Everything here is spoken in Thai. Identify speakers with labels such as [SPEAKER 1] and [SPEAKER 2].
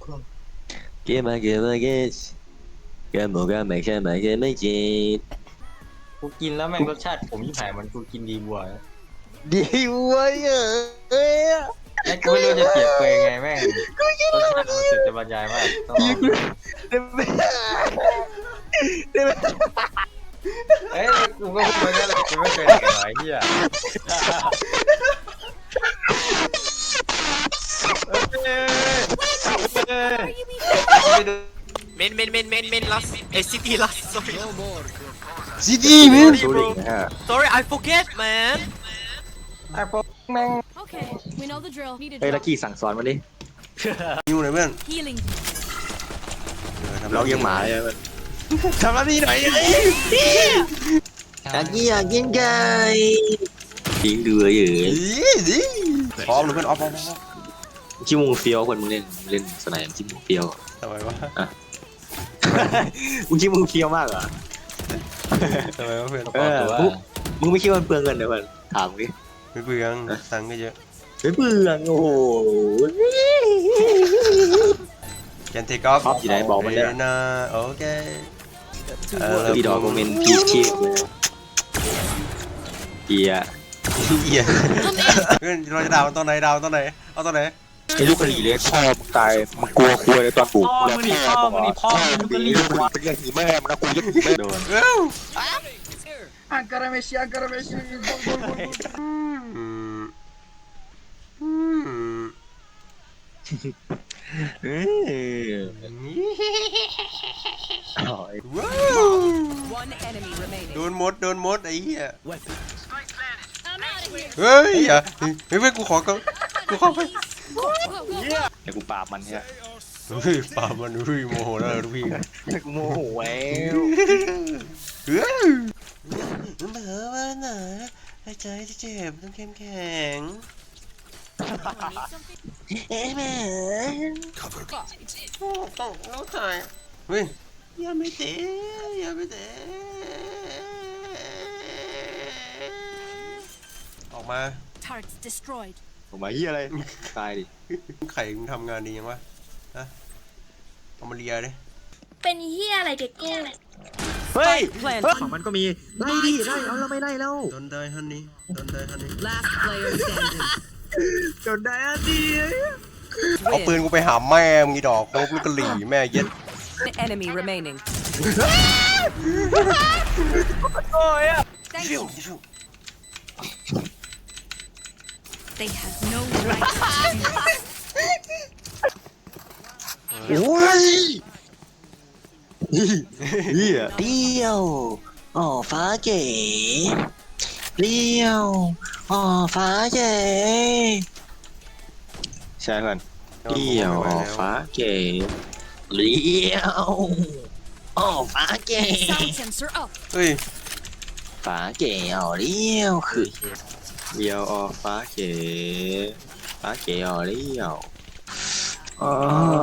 [SPEAKER 1] เกมมาเกมมาเกมเกมบอกกันไม่ใช่ไม่เกมไม่จริง
[SPEAKER 2] กูกินแล้วแม่งรสชาติผมยิ่งหายมันกูกินดีบัว
[SPEAKER 1] ดีเว้ยเอ้ย
[SPEAKER 2] แม่งกูไม่รู้จะเปรียบเปรยไงแม่งรสชาติมันสุดจะบรรยายมากต้องลองดูเอ้ยกูก็พูดไปนั่นแหละกูไม่เคยได้กับไอ้เหี้ย
[SPEAKER 3] Main last. City last. Sorry.
[SPEAKER 4] City man
[SPEAKER 3] Sorry, I forget, man.
[SPEAKER 2] ไอ้พวกแม่ง
[SPEAKER 5] Okay, we know the drill. Need a
[SPEAKER 1] เฮ้ย
[SPEAKER 5] drop.
[SPEAKER 1] ลักกี้สั่งสอนมาดิ
[SPEAKER 4] อยู่ไหนเพื่อน
[SPEAKER 5] Healing.
[SPEAKER 1] เรายังหมาเลยมัน
[SPEAKER 4] ทำหน้าที่หน่อย
[SPEAKER 1] ลักกี้อยากกินไก่ยิงเดือยอยู่
[SPEAKER 4] พร้อมเลยเพื่อนออฟ
[SPEAKER 1] ชิมงเฟียวคนมึงเล่นสไนด์ชิมงเฟียว
[SPEAKER 4] ทำไมวะ
[SPEAKER 1] มึงชิมงเฟียวมากเหรอ
[SPEAKER 4] ทำไมวะเพื่อน
[SPEAKER 1] เออมึงไม่คิดว่ามันเปลืองเงินเหรอเพื่อนถามดิ
[SPEAKER 4] ไม่เปลืองตังค์ก็เยอะ
[SPEAKER 1] ไม่เปลืองโอ้โห
[SPEAKER 4] แกนเทคออฟ
[SPEAKER 1] อยู่ไหนบอกมันเลย
[SPEAKER 4] นะโอเค
[SPEAKER 1] อีดอกคอมเมนต์พีชีพเกีย
[SPEAKER 4] เหี้ยเพื่อนเราจะดาวตอนไหนดาวตอนไหนเอาตอนไหน
[SPEAKER 1] ไอ้ลูกกะหรี่เล็กพ่อมึงตายมึงกลัวคุยในตอนปลูก
[SPEAKER 2] พ่อมึงนี่พ่อมึงนี่พ่อมึงก็รีบ
[SPEAKER 1] เป็นเรื่องหีแม่มึงนะกูยังไม่โดน
[SPEAKER 2] Ankara Messi Ankara Messi
[SPEAKER 6] One enemy remaining.
[SPEAKER 4] โดนมดไอ้เหี้ย
[SPEAKER 5] I'm out of here.
[SPEAKER 4] เฮ้ยอย่าเฮ้ยเพื่อนกูขอไป
[SPEAKER 5] Go, go, go.
[SPEAKER 1] ไอ้กูปราบมันเนี่ย
[SPEAKER 4] เฮ้ยป่ามันเฮ้ยโมโหแล้วลูกพี่
[SPEAKER 1] กูโมโหแล้
[SPEAKER 4] เฮ้ยมันเผลอมาหน่อยใจที่เจ็บต้องเข้มแข็ง
[SPEAKER 1] เอ๊ะแม่
[SPEAKER 4] ต้องถ่ายเฮ้ยอย่าไม่เตะออกมา
[SPEAKER 5] Turrets destroyed.
[SPEAKER 1] ผมมาเฮียอะไรตายดิ
[SPEAKER 4] ไข่มึงทำงานดียังวะฮะเอามาเลียดิ
[SPEAKER 5] เป็นเฮียอะไรเด็กกู
[SPEAKER 1] เฮ้ย
[SPEAKER 6] Plant.
[SPEAKER 1] ของมันก็มีไล่ดิไล่เอาเราไม่ไล่แล้ว
[SPEAKER 4] โดนได้ฮันนี่
[SPEAKER 6] Last player standing.
[SPEAKER 1] จนได้อันดี
[SPEAKER 4] เอาปืนกูไปหาแม่มึงอีดอกโคบลูกกะหรี่แม่เย็ด
[SPEAKER 6] Enemy remaining.
[SPEAKER 5] Thank you. They have no right to do this.
[SPEAKER 1] โอ้ยเฮียเลี้ยวอ๋อฟ้าเก๋เลี้ยวอ๋อฟ้าเก๋ใช่เพื่อนเลี้ยวอ๋อฟ้าเก๋เลี้ยวอ๋อฟ้าเก๋
[SPEAKER 5] Sound sensor up.
[SPEAKER 4] เฮ้ย
[SPEAKER 1] ฟ้าเก๋อ๋อเลี้ยวคือเลี้ยวอ๋อฟ้าเก๋ฟ้าเก๋อ๋อเลี้ยวอ๋อ